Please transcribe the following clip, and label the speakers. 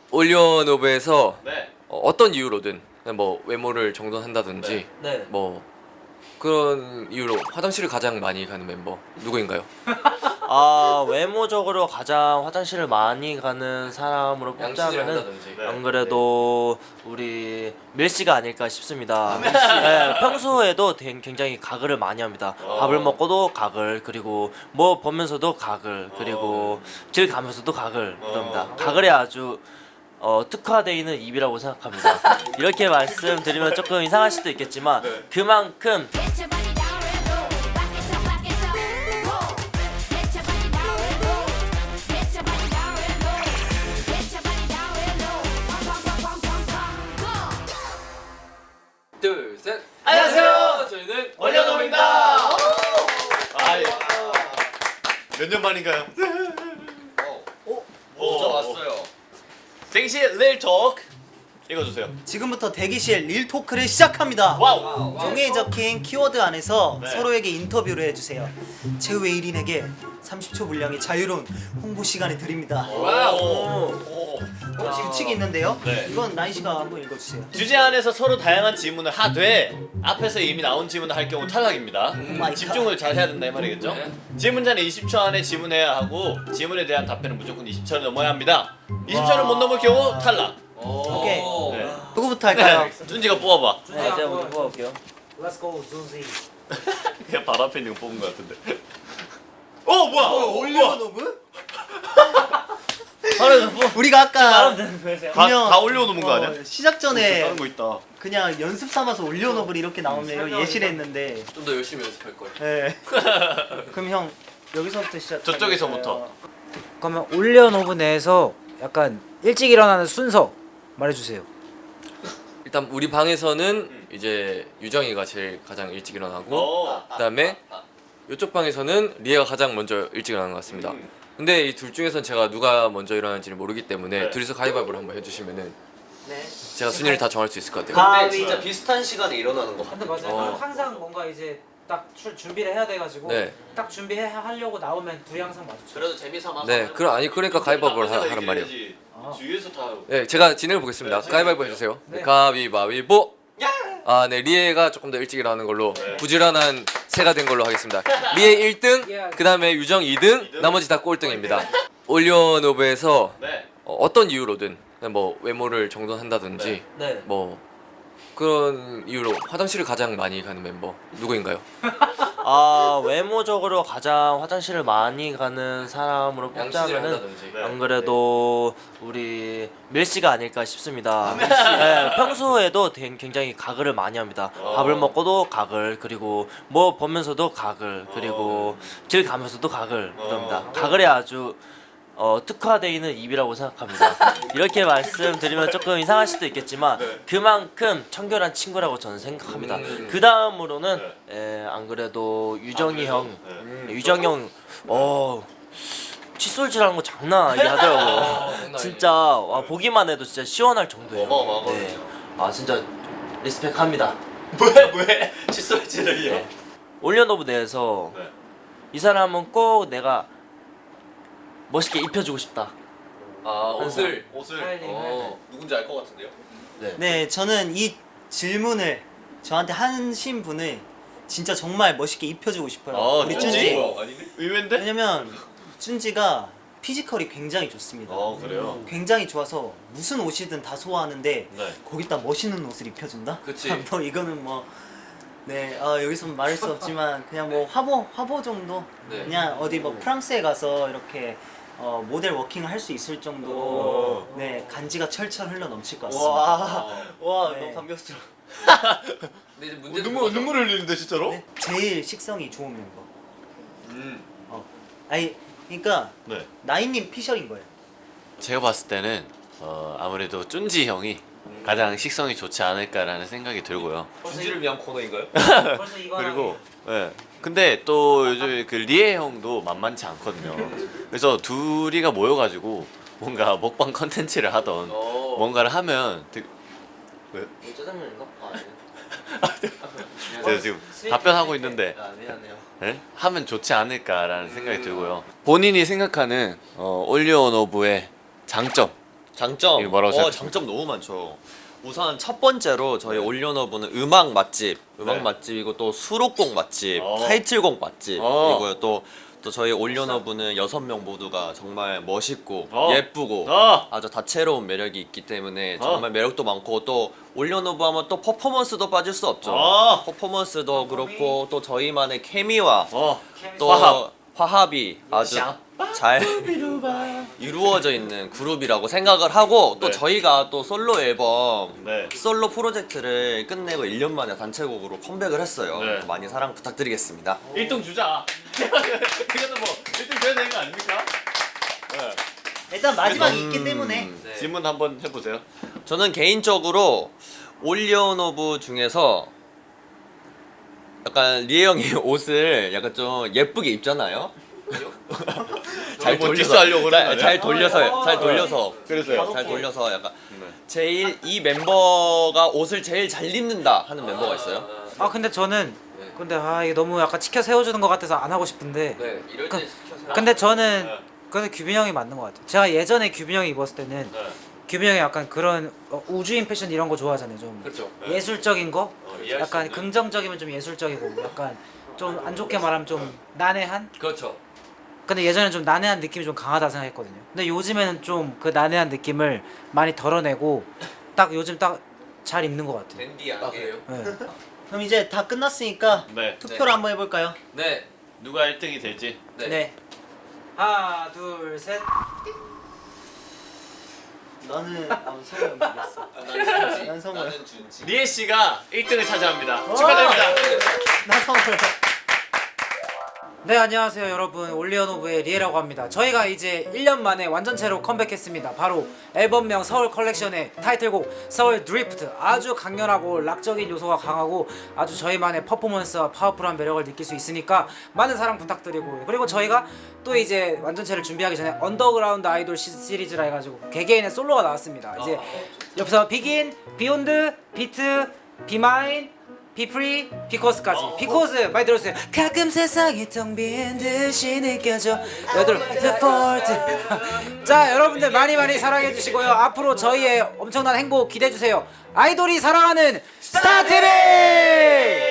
Speaker 1: 올리언오브에서
Speaker 2: 네.
Speaker 1: 어떤 이유로든 그냥 뭐 외모를 정돈한다든지
Speaker 3: 네.
Speaker 1: 뭐 그런 이유로 화장실을 가장 많이 가는 멤버 누구인가요?
Speaker 3: 외모적으로 가장 화장실을 많이 가는 사람으로
Speaker 1: 양치질을
Speaker 3: 뽑자면은
Speaker 1: 한다든지.
Speaker 2: 네.
Speaker 3: 안 그래도 우리 밀씨가 아닐까 싶습니다. 네, 평소에도 굉장히 가글을 많이 합니다. 밥을 먹고도 가글, 그리고 뭐 보면서도 가글, 그리고 길 가면서도 가글 그럽니다. 가글에 아주 특화되어 있는 입이라고 생각합니다. 이렇게 말씀드리면 조금 이상할 수도 있겠지만 그만큼
Speaker 4: Get your body down real low. Back it up, back it up. Get your body down real low. Get your body down real low. Get your body down real low. Pum, pum, pum, pum, pum, go.
Speaker 1: 둘, 셋.
Speaker 2: 안녕하세요.
Speaker 1: 저희는
Speaker 2: 올리언오브입니다. 몇 년 만인가요?
Speaker 1: 저 왔어요.
Speaker 2: 대기실 릴 토크 읽어주세요.
Speaker 5: 지금부터 대기실 릴 토크를 시작합니다.
Speaker 2: 와우.
Speaker 5: 종이에 적힌 키워드 안에서
Speaker 2: 네.
Speaker 5: 서로에게 인터뷰를 해주세요. 최후의 1인에게 30초 분량의 자유로운 홍보 시간을 드립니다.
Speaker 2: 와우.
Speaker 5: 규칙이 있는데요.
Speaker 2: 네.
Speaker 5: 이건 나인 씨가 한번 읽어주세요.
Speaker 2: 주제 안에서 서로 다양한 질문을 하되 앞에서 이미 나온 질문을 할 경우 탈락입니다.
Speaker 5: 마이
Speaker 2: 집중을 잘 해야 된다 이 말이겠죠?
Speaker 1: 네.
Speaker 2: 질문자는 20초 안에 질문해야 하고 질문에 대한 답변은 무조건 20초를 넘어야 합니다. 20초를 못 넘을 경우 탈락.
Speaker 5: 오케이.
Speaker 2: 네.
Speaker 5: 누구부터 할까요?
Speaker 2: 준지가 뽑아봐.
Speaker 3: 네, 제가 먼저 뽑아볼게요.
Speaker 5: Let's go, Zuzi.
Speaker 2: 그냥 바로 앞에 있는 거 뽑은 거 같은데. 뭐야?
Speaker 5: 올리언오브?
Speaker 3: 바로 뽑.
Speaker 5: 우리가 아까
Speaker 3: 되는 거예요.
Speaker 2: 다 올려놓은 거 아니야?
Speaker 5: 시작 전에
Speaker 2: 다른 거 있다.
Speaker 5: 그냥 연습 삼아서 올리언오브를 이렇게 나오네요. 예시를 했는데.
Speaker 1: 좀 더 열심히 연습할 걸.
Speaker 5: 네. 그럼 형 여기서부터 시작.
Speaker 2: 저쪽에서부터.
Speaker 6: 그러면 올리언오브 내에서 약간 일찍 일어나는 순서 말해주세요.
Speaker 1: 일단 우리 방에서는 이제 유정이가 제일 가장 일찍 일어나고 그다음에 이쪽 방에서는 리에가 가장 먼저 일찍 일어나는 것 같습니다. 근데 이 둘 중에선 제가 누가 먼저 일어나는지를 모르기 때문에
Speaker 2: 네.
Speaker 1: 둘이서 가위바위보를 한번 해주시면은
Speaker 5: 네.
Speaker 1: 제가 순위를 다 정할 수 있을 것 같아요.
Speaker 5: 가위.
Speaker 3: 진짜 비슷한 시간에 일어나는 거.
Speaker 6: 근데 맞아요. 항상 뭔가 이제 딱 준비를 해야 돼가지고
Speaker 1: 네.
Speaker 6: 딱 준비하려고 나오면 둘이 항상 마주쳐요.
Speaker 2: 그래도 재미삼아서.
Speaker 1: 네, 그러니까 가위바위보를 하란 말이에요.
Speaker 2: 주위에서 다.
Speaker 1: 네, 제가 진행해 보겠습니다.
Speaker 2: 네,
Speaker 1: 가위바위보 해주세요.
Speaker 6: 네.
Speaker 1: 가위바위보. 네, 리에가 조금 더 일찍 일어나는 걸로 부지런한 새가 된 걸로 하겠습니다. 리에 1등, 그 다음에 유정 2등, 나머지 다 꼴등입니다. 올리언오브에서
Speaker 2: 네.
Speaker 1: 어떤 이유로든 그냥 뭐 외모를 정돈한다든지
Speaker 3: 네.
Speaker 1: 뭐 그런 이유로 화장실을 가장 많이 가는 멤버 누구인가요?
Speaker 3: 외모적으로 가장 화장실을 많이 가는 사람으로 뽑자면은
Speaker 2: 네.
Speaker 3: 안 그래도 우리 밀씨가 아닐까 싶습니다. 네, 평소에도 굉장히 가글을 많이 합니다. 밥을 먹고도 가글, 그리고 뭐 보면서도 가글, 그리고 길 가면서도 가글 그럽니다. 가글에 아주 특화되어 있는 입이라고 생각합니다. 이렇게 말씀드리면 조금 이상할 수도 있겠지만 그만큼 청결한 친구라고 저는 생각합니다. 그 다음으로는 안 그래도 유정이 형, 유정이 형, 칫솔질하는 거 장난 아니게 하더라고요. 진짜 와, 보기만 해도 진짜 시원할 정도예요.
Speaker 2: 어마어마하거든요.
Speaker 3: 네. 진짜 리스펙합니다.
Speaker 2: 왜? 칫솔질을 해요?
Speaker 3: 올리언오브 내에서
Speaker 2: 네.
Speaker 3: 이 사람은 꼭 내가 멋있게 입혀주고 싶다.
Speaker 1: 옷을
Speaker 2: 누군지 알 것 같은데요?
Speaker 5: 네, 저는 이 질문을 저한테 하신 분을 진짜 정말 멋있게 입혀주고 싶어요. 우리 쭌지.
Speaker 2: 아니네? 의외인데?
Speaker 5: 왜냐면 쭌지가 피지컬이 굉장히 좋습니다.
Speaker 2: 그래요?
Speaker 5: 굉장히 좋아서 무슨 옷이든 다 소화하는데
Speaker 2: 네.
Speaker 5: 거기다 멋있는 옷을 입혀준다?
Speaker 1: 그치.
Speaker 5: 뭐 이거는 뭐 네, 여기서 말할 수 없지만 그냥 뭐 화보 정도
Speaker 1: 네.
Speaker 5: 그냥 어디 뭐 프랑스에 가서 이렇게 모델 워킹을 할 수 있을 정도로 네 간지가 철철 흘러 넘칠 것 같습니다.
Speaker 3: 와,
Speaker 5: 네.
Speaker 3: 너무 감격스러워.
Speaker 1: 근데 이제 문제는
Speaker 2: 눈물 흘리는데 진짜로?
Speaker 5: 네, 제일 식성이 좋은 멤버.
Speaker 1: 음.
Speaker 5: 아니 그러니까
Speaker 2: 네.
Speaker 5: 나인님 피셜인 거예요.
Speaker 7: 제가 봤을 때는 아무래도 쭌지 형이 가장 식성이 좋지 않을까라는 생각이 들고요.
Speaker 2: 준지를 위한 코너인가요?
Speaker 6: 벌써 이거랑
Speaker 7: 그리고 근데 또 요즘 그 리에 형도 만만치 않거든요. 그래서 둘이가 모여가지고 뭔가 먹방 컨텐츠를 하던 뭔가를 하면
Speaker 3: 짜장면인가?
Speaker 7: 제가 지금 답변하고 있는데
Speaker 3: 미안해요.
Speaker 7: 네? 하면 좋지 않을까라는 생각이 들고요. 본인이 생각하는 올리언오브의 장점 장점.
Speaker 2: 이거 뭐라고 생각하십니까?
Speaker 7: 장점 너무 많죠. 우선 첫 번째로 저희 올리언오브는 음악
Speaker 2: 네.
Speaker 7: 맛집이고 또 수록곡 맛집,
Speaker 2: 어.
Speaker 7: 타이틀곡 맛집
Speaker 2: 어.
Speaker 7: 이고요. 또 저희 올리언오브는 6명 모두가 정말 멋있고
Speaker 2: 어.
Speaker 7: 예쁘고
Speaker 2: 어.
Speaker 7: 아주 다채로운 매력이 있기 때문에 정말 매력도 많고 또 올리언오브 하면 또 퍼포먼스도 빠질 수 없죠.
Speaker 2: 어.
Speaker 7: 퍼포먼스도 그렇고 또 저희만의 케미와 또 화합이 아주 잘 이루어져 있는 그룹이라고 생각을 하고 또
Speaker 2: 네.
Speaker 7: 저희가 또 솔로 앨범
Speaker 2: 네.
Speaker 7: 솔로 프로젝트를 끝내고 1년 만에 단체곡으로 컴백을 했어요.
Speaker 2: 네.
Speaker 7: 많이 사랑 부탁드리겠습니다.
Speaker 2: 1등 주자. 이거는 뭐 1등 줘야 되는 거 아닙니까? 네.
Speaker 5: 일단 마지막이 있기 때문에
Speaker 2: 질문 한번 해보세요.
Speaker 7: 저는 개인적으로 올리언오브 중에서 약간 리에 형이 옷을 약간 좀 예쁘게 입잖아요. 잘
Speaker 2: 뭐
Speaker 7: 돌려서
Speaker 2: 디스하려고 그러는 거 아니야?
Speaker 7: 잘 돌려서
Speaker 2: 그래서요.
Speaker 7: 잘 돌려서 약간
Speaker 2: 네.
Speaker 7: 제일 이 멤버가 옷을 제일 잘 입는다 하는 멤버가 있어요.
Speaker 6: 아 근데 저는 근데 이게 너무 약간 치켜 세워주는 것 같아서 안 하고 싶은데
Speaker 1: 네, 이럴 때 시켜서.
Speaker 6: 근데 저는
Speaker 2: 네.
Speaker 6: 근데 규빈 형이 맞는 것 같아요. 제가 예전에 규빈 형이 입었을 때는
Speaker 2: 네.
Speaker 6: 규빈 형이 약간 그런 우주인 패션 이런 거 좋아하잖아요. 좀
Speaker 1: 그렇죠.
Speaker 6: 예술적인 거,
Speaker 2: 이해할 수
Speaker 6: 약간
Speaker 2: 있는.
Speaker 6: 긍정적이면 좀 예술적이고, 약간 좀 안 좋게 말하면 좀 난해한.
Speaker 1: 그렇죠.
Speaker 6: 근데 예전에는 좀 난해한 느낌이 좀 강하다 생각했거든요. 근데 요즘에는 좀 그 난해한 느낌을 많이 덜어내고 딱 요즘 딱 잘 입는 것 같아요.
Speaker 1: 댄디하게. 그래요?
Speaker 6: 네.
Speaker 5: 그럼 이제 다 끝났으니까
Speaker 2: 네.
Speaker 5: 투표를 한번 해볼까요?
Speaker 1: 네.
Speaker 2: 누가 1등이 될지.
Speaker 1: 네.
Speaker 6: 하나, 둘, 셋.
Speaker 5: 나는 성우 형 보겠어. 난 성우 형.
Speaker 2: 리에 씨가 1등을 차지합니다. 축하드립니다.
Speaker 5: 나 성우 형.
Speaker 6: 네, 안녕하세요 여러분. 올리언오브의 리에라고 합니다. 저희가 이제 1년 만에 완전체로 컴백했습니다. 바로 앨범명 서울 컬렉션의 타이틀곡 서울 드리프트. 아주 강렬하고 락적인 요소가 강하고 아주 저희만의 퍼포먼스와 파워풀한 매력을 느낄 수 있으니까 많은 사랑 부탁드리고요. 그리고 저희가 또 이제 완전체를 준비하기 전에 언더그라운드 아이돌 시리즈라 해가지고 개개인의 솔로가 나왔습니다. 이제 옆에서 비긴, 비욘드, 비트, 비마인, 비프리, 비코스까지. 비코스 많이 들었어요. 가끔 세상이 텅 빈 듯이 느껴져. 여덟, 포트. 자, 여러분들 많이 사랑해 주시고요. 앞으로 저희의 엄청난 행복 기대해 주세요. 아이돌이 사랑하는 스타 TV.